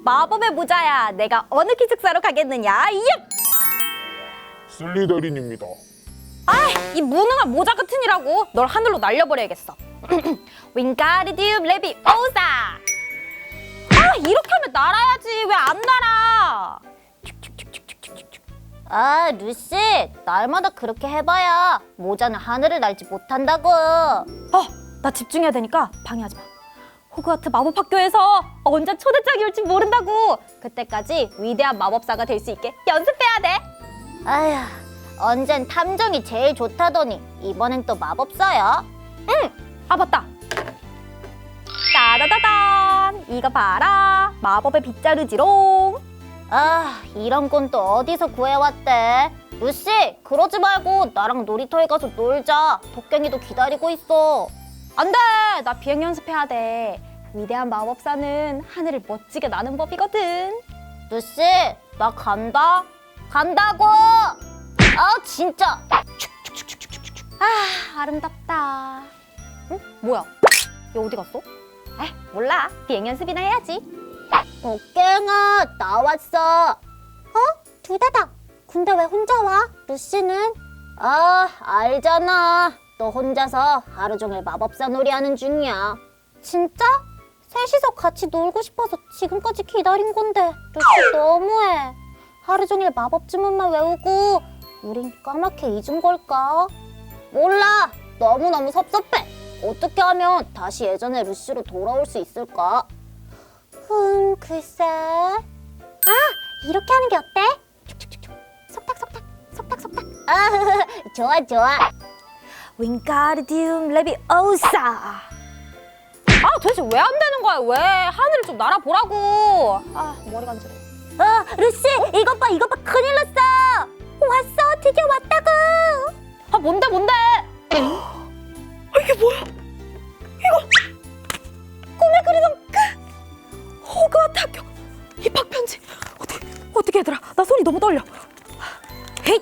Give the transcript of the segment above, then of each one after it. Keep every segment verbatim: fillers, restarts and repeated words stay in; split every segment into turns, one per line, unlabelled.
마법의 모자야. 내가 어느 기숙사로 가겠느냐? 얍!
슬리더린입니다.
아이, 이 무능한 모자 같으니라고. 널 하늘로 날려버려야겠어. 윙가르디움 레비오사. 아, 이렇게 하면 날아야지. 왜 안 날아?
아, 루시, 날마다 그렇게 해봐야 모자는 하늘을 날지 못한다고.
어, 나 집중해야 되니까 방해하지 마. 호그와트 마법학교에서 언제 초대장이 올지 모른다고. 그때까지 위대한 마법사가 될 수 있게 연습해야 돼.
아휴, 언젠 탐정이 제일 좋다더니 이번엔 또 마법사야?
아, 맞다. 따다다단. 이거 봐라. 마법의 빗자루지롱.
아, 이런 건 또 어디서 구해왔대? 루시, 그러지 말고 나랑 놀이터에 가서 놀자. 도깨니도 기다리고 있어.
안 돼. 나 비행 연습해야 돼. 위대한 마법사는 하늘을 멋지게 나는 법이거든.
루시, 나 간다. 간다고! 아, 진짜.
아, 아름답다. 응? 뭐야? 얘 어디 갔어? 에, 몰라. 비행 연습이나 해야지.
도깨ꯉ아, 나왔어. 어? 두다다. 근데 왜 혼자 와? 루시는? 아, 알잖아. 너 혼자서 하루 종일 마법사 놀이하는 중이야. 진짜? 셋이서 같이 놀고 싶어서 지금까지 기다린 건데 루시 너무해. 하루 종일 마법 주문만 외우고 우린 까맣게 잊은 걸까? 몰라. 너무너무 섭섭해. 어떻게 하면 다시 예전의 루시로 돌아올 수 있을까? 음, 글쎄. 아, 이렇게 하는 게 어때? 촉촉촉촉. 속닥속닥, 속닥속닥. 아, 좋아, 좋아.
윙가르디움 레비오사. 아, 도대체 왜 안 되는 거야? 왜? 하늘을 좀 날아보라고. 아, 머리 간지러워.
어, 루시, 이것 봐, 이것 봐, 큰일 났어. 왔어, 드디어 왔다고.
아, 뭔데, 뭔데? 아, 이게 뭐야? 이거 꿈에 그리던 그 호그와트 학교 입학 편지. 어떻게, 어떻게 얘들아? 나 손이 너무 떨려. 헤이!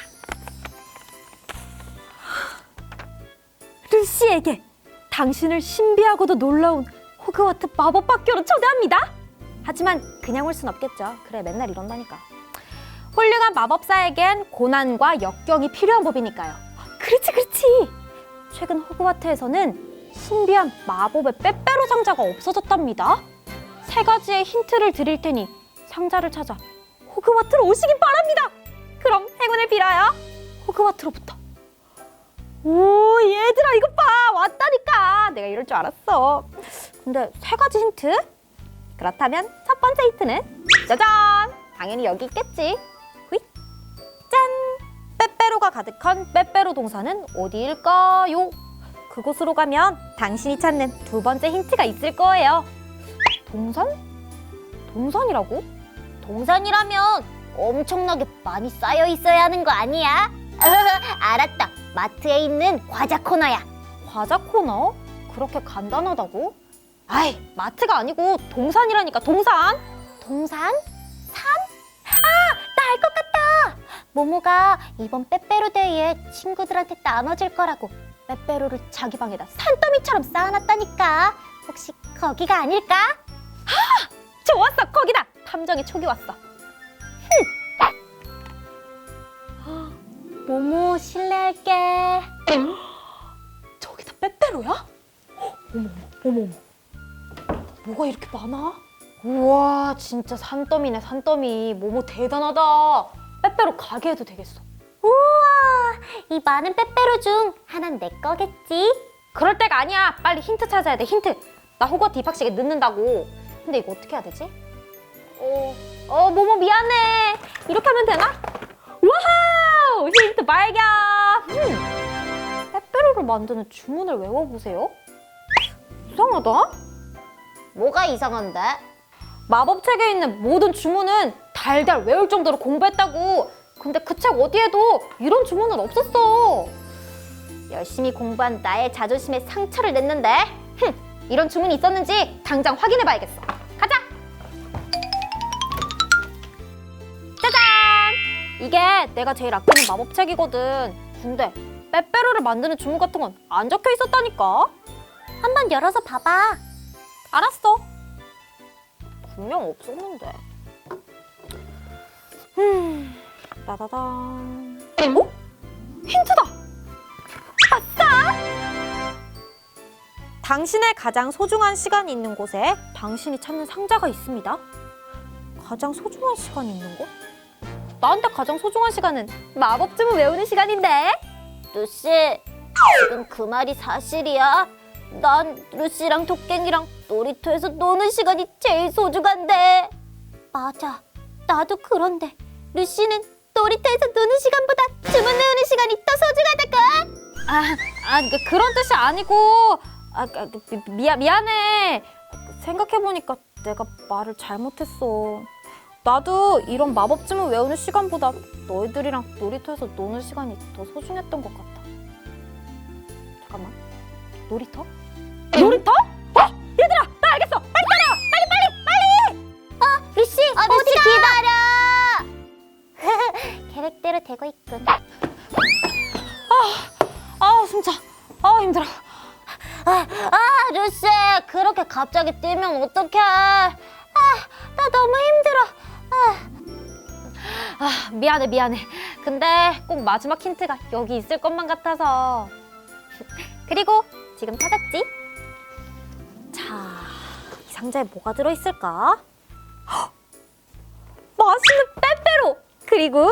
루시에게 당신을 신비하고도 놀라운 호그와트 마법학교로 초대합니다. 하지만 그냥 올 순 없겠죠. 그래, 맨날 이런다니까. 훌륭한 마법사에겐 고난과 역경이 필요한 법이니까요. 그렇지, 그렇지. 최근 호그와트에서는 신비한 마법의 빼빼로 상자가 없어졌답니다. 세 가지의 힌트를 드릴 테니 상자를 찾아 호그와트로 오시길 바랍니다. 그럼 행운을 빌어요. 호그와트로부터. 오, 얘들아, 이것 봐. 왔다니까. 내가 이럴 줄 알았어. 근데 세 가지 힌트? 그렇다면 첫 번째 힌트는 짜잔! 당연히 여기 있겠지. 후잇! 짠! 빼빼로가 가득한 빼빼로 동산은 어디일까요? 그곳으로 가면 당신이 찾는 두 번째 힌트가 있을 거예요. 동산? 동산이라고?
동산이라면 엄청나게 많이 쌓여 있어야 하는 거 아니야? 알았다. 마트에 있는 과자 코너야.
과자 코너? 그렇게 간단하다고? 아이, 마트가 아니고 동산이라니까. 동산?
동산? 산? 아, 나 알 것 같다. 모모가 이번 빼빼로 데이에 친구들한테 나눠줄 거라고 빼빼로를 자기 방에다 산더미처럼 쌓아놨다니까. 혹시 거기가 아닐까?
좋았어, 거기다. 탐정의 촉이 왔어.
모모, 실례할게.
저기다 빼빼로야? 어머, 어머, 어머. 뭐가 이렇게 많아? 우와, 진짜 산더미네, 산더미. 모모 대단하다. 빼빼로 가게 해도 되겠어.
우와, 이 많은 빼빼로 중 하나는 내 거겠지?
그럴 때가 아니야. 빨리 힌트 찾아야 돼, 힌트. 나 호거트 입학식에 늦는다고. 근데 이거 어떻게 해야 되지? 어, 어, 모모 미안해. 이렇게 하면 되나? 와우! 힌트 발견! 음, 빼빼로를 만드는 주문을 외워보세요. 이상하다.
뭐가 이상한데?
마법책에 있는 모든 주문은 달달 외울 정도로 공부했다고. 근데 그 책 어디에도 이런 주문은 없었어.
열심히 공부한 나의 자존심에 상처를 냈는데.
흠, 이런 주문이 있었는지 당장 확인해봐야겠어. 가자! 짜잔! 이게 내가 제일 아끼는 마법책이거든. 근데 빼빼로를 만드는 주문 같은 건 안 적혀 있었다니까.
한번 열어서 봐봐.
알았어. 분명 없었는데. 음, 따다단. 어? 힌트다! 아싸! 당신의 가장 소중한 시간이 있는 곳에 당신이 찾는 상자가 있습니다. 가장 소중한 시간이 있는 곳? 나한테 가장 소중한 시간은 마법 주문 외우는 시간인데.
루시, 지금 그 말이 사실이야? 난 루시랑 토깽이랑 놀이터에서 노는 시간이 제일 소중한데. 맞아, 나도 그런데 루시는 놀이터에서 노는 시간보다 주문 외우는 시간이 더 소중하다고.
아, 아 그, 그런 뜻이 아니고. 아, 아, 미, 미안, 미안해. 생각해보니까 내가 말을 잘못했어. 나도 이런 마법 주문 외우는 시간보다 너희들이랑 놀이터에서 노는 시간이 더 소중했던 것 같아. 잠깐만. 놀이터? 놀이터? 어? 얘들아, 나 알겠어. 빨리 따라와. 빨리, 빨리, 빨리.
어, 루시, 어, 루시 기다려. 계획대로 되고 있군.
아, 숨차. 아, 힘들어.
아, 아, 루시, 그렇게 갑자기 뛰면 어떡해? 아, 나 너무 힘들어. 아.
아, 미안해, 미안해. 근데 꼭 마지막 힌트가 여기 있을 것만 같아서. 그리고 지금 찾았지? 자, 이 상자에 뭐가 들어있을까? 헉! 맛있는 빼빼로! 그리고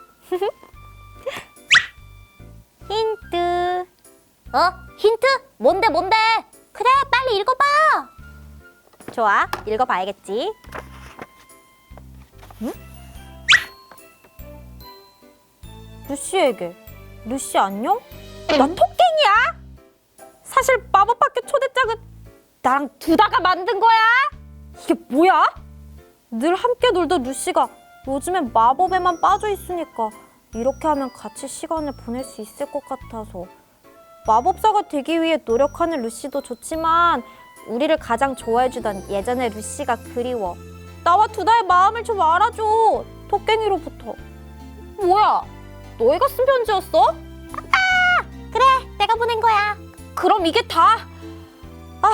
힌트.
어? 힌트? 뭔데, 뭔데? 그래, 빨리 읽어봐.
좋아, 읽어봐야겠지. 응? 루시에게. 루시 안녕? 나 토깽이야. 사실 마법학교 초대장은 나랑 두다가 만든 거야. 이게 뭐야? 늘 함께 놀던 루시가 요즘엔 마법에만 빠져 있으니까 이렇게 하면 같이 시간을 보낼 수 있을 것 같아서. 마법사가 되기 위해 노력하는 루시도 좋지만 우리를 가장 좋아해주던 예전의 루시가 그리워. 나와 두다의 마음을 좀 알아줘. 토깽이로부터. 뭐야? 너희가 쓴 편지였어?
그래, 내가 보낸 거야.
그럼 이게 다? 아,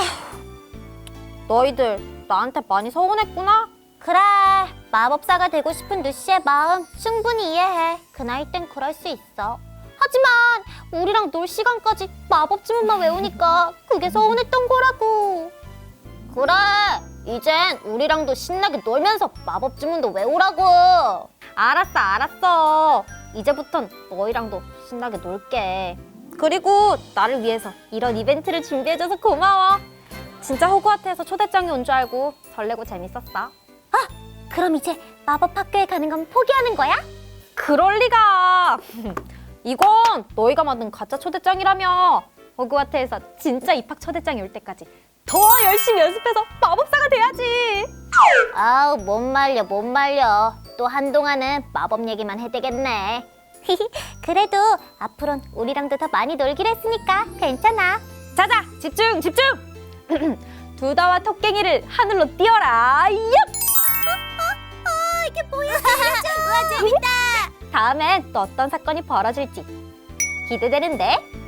너희들 나한테 많이 서운했구나?
그래, 마법사가 되고 싶은 루시의 마음 충분히 이해해. 그 나이 땐 그럴 수 있어. 하지만 우리랑 놀 시간까지 마법 주문만 외우니까 그게 서운했던 거라고. 그래, 이젠 우리랑도 신나게 놀면서 마법 주문도 외우라고.
알았어, 알았어. 이제부턴 너희랑도 신나게 놀게. 그리고 나를 위해서 이런 이벤트를 준비해줘서 고마워. 진짜 호그와트에서 초대장이 온 줄 알고 설레고 재밌었어.
그럼 이제 마법 학교에 가는 건 포기하는 거야?
그럴 리가. 이건 너희가 만든 가짜 초대장이라며. 호그와트에서 진짜 입학 초대장이 올 때까지 더 열심히 연습해서 마법사가 돼야지.
아우, 못 말려, 못 말려. 또 한동안은 마법 얘기만 해대겠네. 그래도 앞으론 우리랑도 더 많이 놀기로 했으니까 괜찮아.
자자, 집중, 집중. 두다와 토깽이를 하늘로 띄워라. 얍!
어, 이게 뭐야? 와, 재밌다.
다음엔 또 어떤 사건이 벌어질지 기대되는데.